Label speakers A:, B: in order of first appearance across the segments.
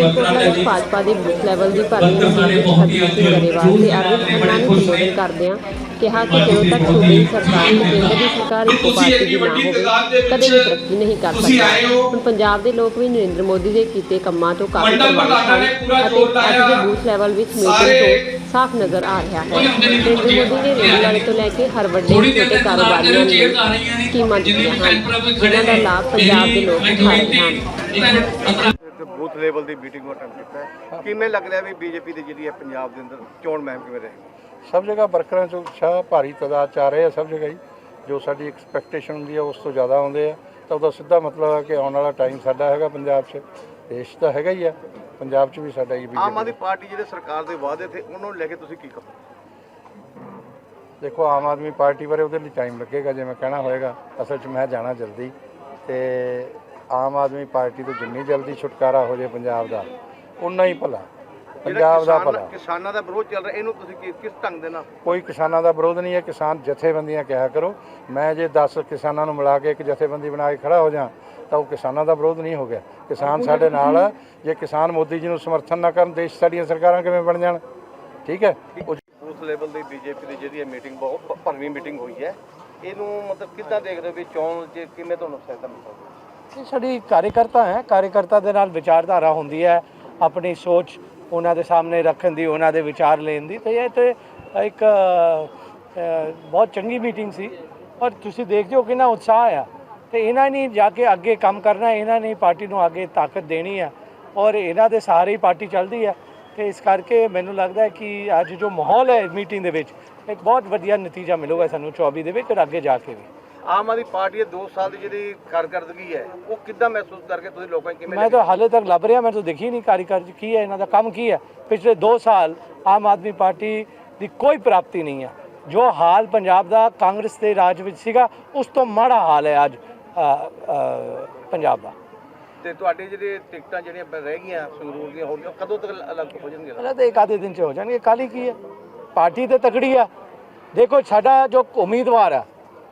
A: ਮਲੇਰਕੋਟਲਾ ਵਿੱਚ ਭਾਜਪਾ ਦੀ booth level ਦੀ ਭਰਵੀਂ ਮੀਟਿੰਗ ਵਿੱਚ ਹਰਜੀਤ ਸਿੰਘ ਗਰੇਵਾਲ ਤੇ ਅਰਵਿੰਦ ਖੰਨਾ ਨੇ ਸੰਬੋਧਨ ਕਰਦਿਆਂ ਕਿਹਾ ਕਿ ਜਦੋਂ ਤੱਕ ਸੂਬੇ ਦੀ ਸਰਕਾਰ ਤੇ ਕੇਂਦਰ ਦੀ ਸਰਕਾਰ ਇੱਕੋ ਪਾਰਟੀ ਦੀ ਨਾ ਹੋਵੇ ਕਦੇ ਵੀ ਤਰੱਕੀ ਨਹੀਂ ਕਰ ਸਕਦਾ। ਹੁਣ ਪੰਜਾਬ ਦੇ ਲੋਕ ਵੀ ਨਰਿੰਦਰ ਮੋਦੀ ਦੇ ਕੀਤੇ ਕੰਮਾਂ ਤੋਂ ਕਾਫੀ ਪ੍ਰਭਾਵਿਤ ਹਨ ਅਤੇ ਅੱਜ ਦੇ ਬੂਥ ਲੈਵਲ ਵਿੱਚ ਮੀਟਿੰਗ ਤੋਂ ਸਾਫ਼ ਨਜ਼ਰ ਆ ਰਿਹਾ ਹੈ। ਨਰਿੰਦਰ ਮੋਦੀ ਨੇ ਰੇਹੜੀ ਵਾਲੇ ਤੋਂ ਲੈ ਕੇ ਹਰ ਵੱਡੇ ਛੋਟੇ ਕਾਰੋਬਾਰੀਆਂ ਨੂੰ ਸਕੀਮਾਂ ਦਿੱਤੀਆਂ ਹਨ ਜਿਨ੍ਹਾਂ ਦਾ ਲਾਭ ਪੰਜਾਬ ਦੇ ਲੋਕ ਉਠਾ ਰਹੇ ਹਨ।
B: ਬੂਥ ਲੈਵਲ ਦੀ ਮੀਟਿੰਗ ਨੂੰ ਅਟੈਂਡ ਕੀਤਾ ਹੈ। ਕਿਵੇਂ ਲੱਗ ਰਿਹਾ ਵੀ ਬੀਜੇਪੀ ਦੀ ਜਿਹੜੀ ਹੈ ਪੰਜਾਬ ਦੇ ਅੰਦਰ ਚੋਣ ਮੁਹਿੰਮ ਕਿਵੇਂ ਰਹੇਗੀ?
C: ਸਭ ਜਗ੍ਹਾ ਵਰਕਰਾਂ 'ਚ ਉਤਸ਼ਾਹ ਭਾਰੀ ਤਾਦਾਦ 'ਚ ਆ ਰਹੇ ਆ। ਸਭ ਜਗ੍ਹਾ ਹੀ ਜੋ ਸਾਡੀ ਐਕਸਪੈਕਟੇਸ਼ਨ ਹੁੰਦੀ ਹੈ ਉਸ ਤੋਂ ਜ਼ਿਆਦਾ ਆਉਂਦੇ ਆ, ਤਾਂ ਉਹਦਾ ਸਿੱਧਾ ਮਤਲਬ ਹੈ ਕਿ ਆਉਣ ਵਾਲਾ ਟਾਈਮ ਸਾਡਾ ਹੈਗਾ ਪੰਜਾਬ 'ਚ। ਦੇਸ਼ ਤਾਂ ਹੈਗਾ ਹੀ ਆ, ਪੰਜਾਬ 'ਚ ਵੀ ਸਾਡਾ ਹੀ।
B: ਆਮ ਆਦਮੀ ਪਾਰਟੀ ਜਿਹੜੇ ਸਰਕਾਰ ਦੇ ਵਾਅਦੇ ਥੇ ਉਹਨਾਂ ਨੂੰ ਲੈ ਕੇ ਤੁਸੀਂ ਕੀ ਕਹੋ?
C: ਦੇਖੋ, ਆਮ ਆਦਮੀ ਪਾਰਟੀ ਬਾਰੇ ਉਹਦੇ ਲਈ ਟਾਈਮ ਲੱਗੇਗਾ, ਜੇ ਮੈਂ ਕਹਿਣਾ ਹੋਏਗਾ। ਅਸਲ 'ਚ ਮੈਂ ਜਾਣਾ ਜਲਦੀ, ਤੇ ਆਮ ਆਦਮੀ ਪਾਰਟੀ ਤੋਂ ਜਿੰਨੀ ਜਲਦੀ ਛੁਟਕਾਰਾ ਹੋ ਜਾਏ ਪੰਜਾਬ ਦਾ ਉਨਾ ਹੀ ਭਲਾ, ਪੰਜਾਬ ਦਾ ਭਲਾ।
B: ਕਿਸਾਨਾਂ ਦਾ ਵਿਰੋਧ ਚੱਲ ਰਿਹਾ, ਇਹਨੂੰ ਤੁਸੀਂ ਕਿਸ ਢੰਗ ਦੇ ਨਾਲ?
C: ਕੋਈ ਕਿਸਾਨਾਂ ਦਾ ਵਿਰੋਧ ਨਹੀਂ ਹੈ। ਕਿਸਾਨ ਜਥੇਬੰਦੀਆਂ ਕਿਹਾ ਕਰੋ। ਮੈਂ ਜੇ 10 ਕਿਸਾਨਾਂ ਨੂੰ ਮਿਲਾ ਕੇ ਇੱਕ ਜਥੇਬੰਦੀ ਬਣਾ ਕੇ ਖੜਾ ਹੋ ਜਾ ਤਾਂ ਉਹ ਕਿਸਾਨਾਂ ਦਾ ਵਿਰੋਧ ਨਹੀਂ ਹੋ ਗਿਆ। ਕਿਸਾਨ ਸਾਡੇ ਨਾਲ ਆ। ਜੇ ਕਿਸਾਨ ਮੋਦੀ ਜੀ ਨੂੰ ਸਮਰਥਨ ਨਾ ਕਰਨ, ਦੇਸ਼ ਸਾਡੀਆਂ ਸਰਕਾਰਾਂ ਕਿਵੇਂ ਬਣ ਜਾਣ? ਠੀਕ ਹੈ।
B: ਬੂਥ ਲੈਵਲ ਦੀ ਬੀਜੇਪੀ ਦੀ ਜਿਹੜੀ ਮੀਟਿੰਗ ਬਹੁਤ ਭਰਵੀਂ ਮੀਟਿੰਗ ਹੋਈ ਹੈ, ਇਹਨੂੰ ਮਤਲਬ ਕਿੱਦਾਂ ਦੇਖਦੇ ਹੋ ਵੀ ਚੋਣ 'ਚ ਕਿਵੇਂ ਤੁਹਾਨੂੰ ਸਹਾਇਤਾ ਮਿਲ ਸਕਦੀ?
D: ਇਹ ਸਾਡੀ ਕਾਰਜਕਰਤਾ ਹੈ। ਕਾਰਜਕਰਤਾ ਦੇ ਨਾਲ ਵਿਚਾਰਧਾਰਾ ਹੁੰਦੀ ਹੈ, ਆਪਣੀ ਸੋਚ ਉਹਨਾਂ ਦੇ ਸਾਹਮਣੇ ਰੱਖਣ ਦੀ, ਉਹਨਾਂ ਦੇ ਵਿਚਾਰ ਲੈਣ ਦੀ। ਤੇ ਇਹ ਤੇ ਇੱਕ ਬਹੁਤ ਚੰਗੀ ਮੀਟਿੰਗ ਸੀ ਔਰ ਤੁਸੀਂ ਦੇਖਦੇ ਹੋ ਕਿੰਨਾ ਉਤਸ਼ਾਹ ਆ। ਤੇ ਇਹਨਾਂ ਨੇ ਜਾ ਕੇ ਅੱਗੇ ਕੰਮ ਕਰਨਾ, ਇਹਨਾਂ ਨੇ ਪਾਰਟੀ ਨੂੰ ਅੱਗੇ ਤਾਕਤ ਦੇਣੀ ਹੈ ਔਰ ਇਹਨਾਂ ਦੇ ਸਾਰੇ ਹੀ ਪਾਰਟੀ ਚੱਲਦੀ ਹੈ। ਤੇ ਇਸ ਕਰਕੇ ਮੈਨੂੰ ਲੱਗਦਾ ਹੈ ਕਿ ਅੱਜ ਜੋ ਮਾਹੌਲ ਹੈ ਮੀਟਿੰਗ ਦੇ ਵਿੱਚ ਇੱਕ ਬਹੁਤ ਵਧੀਆ ਨਤੀਜਾ ਮਿਲੂਗਾ ਸਾਨੂੰ 24 ਦੇ ਵਿੱਚ ਔਰ ਅੱਗੇ ਜਾ ਕੇ ਵੀ।
B: ਆਮ ਆਦਮੀ ਪਾਰਟੀ ਦੇ 2 ਸਾਲ ਦੀ ਜਿਹੜੀ ਕਾਰਗਰਦਗੀ ਹੈ ਉਹ ਕਿੱਦਾਂ ਮਹਿਸੂਸ ਕਰਕੇ ਤੁਸੀਂ ਲੋਕਾਂ ਨੂੰ ਕਿਵੇਂ?
D: ਮੈਂ ਤਾਂ ਹਾਲੇ ਤੱਕ ਲੱਭ ਰਿਹਾ, ਮੈਂ ਤਾਂ ਦੇਖੀ ਨਹੀਂ ਕਾਰਜਕਾਰੀ ਕੀ ਹੈ, ਇਹਨਾਂ ਦਾ ਕੰਮ ਕੀ ਹੈ। ਪਿਛਲੇ 2 ਸਾਲ ਆਮ ਆਦਮੀ ਪਾਰਟੀ ਦੀ ਕੋਈ ਪ੍ਰਾਪਤੀ ਨਹੀਂ ਹੈ। ਜੋ ਹਾਲ ਪੰਜਾਬ ਦਾ ਕਾਂਗਰਸ ਦੇ ਰਾਜ ਵਿੱਚ ਸੀਗਾ ਉਸ ਤੋਂ ਮਾੜਾ ਹਾਲ ਹੈ ਅੱਜ ਪੰਜਾਬ ਦਾ।
B: ਤੇ ਤੁਹਾਡੀ ਜਿਹੜੀ ਟਿਕਟਾਂ ਜਿਹੜੀਆਂ ਰਹਿ ਗਈਆਂ ਸੰਗਰੂਰ ਦੀਆਂ ਹੋ ਗਈਆਂ, ਕਦੋਂ ਤੱਕ ਅਲੱਗ ਹੋ ਜਾਣਗੀਆਂ?
D: ਪਹਿਲਾਂ ਤਾਂ ਇੱਕ ਆਧੇ ਦਿਨ 'ਚ ਹੋ ਜਾਣਗੇ। ਕਾਹਲੀ ਕੀ ਹੈ? ਪਾਰਟੀ ਤੇ ਤਕੜੀ ਆ। ਦੇਖੋ, ਸਾਡਾ ਜੋ ਉਮੀਦਵਾਰ ਹੈ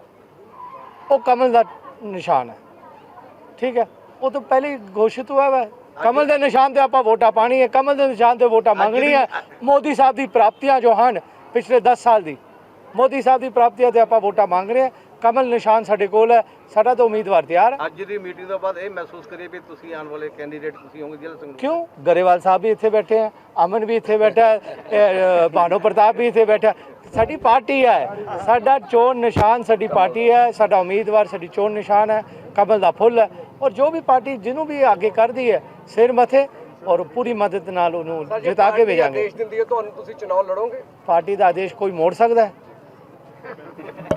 D: ਉਹ ਕਮਲ ਦਾ ਨਿਸ਼ਾਨ ਹੈ। ਠੀਕ ਹੈ, ਉਹ ਤਾਂ ਪਹਿਲੇ ਹੀ ਘੋਸ਼ਿਤ ਹੋਇਆ ਵਾ। ਕਮਲ ਦੇ ਨਿਸ਼ਾਨ ਤੇ ਆਪਾਂ ਵੋਟਾਂ ਪਾਣੀ ਹੈ, ਕਮਲ ਦੇ ਨਿਸ਼ਾਨ ਤੇ ਵੋਟਾਂ ਮੰਗਣੀ ਹੈ। ਮੋਦੀ ਸਾਹਿਬ ਦੀ ਪ੍ਰਾਪਤੀਆਂ ਜੋ ਹਨ ਪਿਛਲੇ 10 ਸਾਲ ਦੀ, ਮੋਦੀ ਸਾਹਿਬ ਦੀ ਪ੍ਰਾਪਤੀਆਂ ਤੇ ਆਪਾਂ ਵੋਟਾਂ ਮੰਗ ਰਹੇ ਹਾਂ। ਕਮਲ ਨਿਸ਼ਾਨ ਸਾਡੇ ਕੋਲ ਹੈ, ਸਾਡਾ ਤਾਂ ਉਮੀਦਵਾਰ ਤਿਆਰ।
B: ਅੱਜ ਦੀ ਮੀਟਿੰਗ ਤੋਂ ਬਾਅਦ ਇਹ ਮਹਿਸੂਸ ਕਰੀਏ ਵੀ ਤੁਸੀਂ ਆਉਣ ਵਾਲੇ ਕੈਂਡੀਡੇਟ ਤੁਸੀਂ ਹੋਗੇ ਜ਼ਿਲ੍ਹਾ ਸੰਗਰੂਰ?
D: ਕਿਉਂ? ਗਰੇਵਾਲ ਸਾਹਿਬ ਵੀ ਇੱਥੇ ਬੈਠੇ ਹੈ, ਅਮਨ ਵੀ ਇੱਥੇ ਬੈਠਾ ਹੈ, ਭਾਨੋ ਪ੍ਰਤਾਪ ਵੀ ਇੱਥੇ ਬੈਠਾ। ਸਾਡੀ ਪਾਰਟੀ ਹੈ, ਸਾਡਾ ਚੋਣ ਨਿਸ਼ਾਨ ਸਾਡੀ ਪਾਰਟੀ ਹੈ, ਸਾਡਾ ਉਮੀਦਵਾਰ ਸਾਡੀ ਚੋਣ ਨਿਸ਼ਾਨ ਹੈ, ਕਮਲ ਦਾ ਫੁੱਲ ਹੈ। ਔਰ ਜੋ ਵੀ ਪਾਰਟੀ ਜਿਹਨੂੰ ਵੀ ਅੱਗੇ ਕਰਦੀ ਹੈ ਸਿਰ ਮੱਥੇ ਔਰ ਪੂਰੀ ਮਦਦ ਨਾਲ ਉਹਨੂੰ ਜਿਤਾ ਕੇ ਭੇਜਾਂਗੇ।
B: ਆਦੇਸ਼ ਦਿੰਦੀ ਹੈ ਤੁਹਾਨੂੰ, ਤੁਸੀਂ ਚੁਣਾਵ ਲੜੋਗੇ?
D: ਪਾਰਟੀ ਦਾ ਆਦੇਸ਼ ਕੋਈ ਮੋੜ ਸਕਦਾ ਹੈ?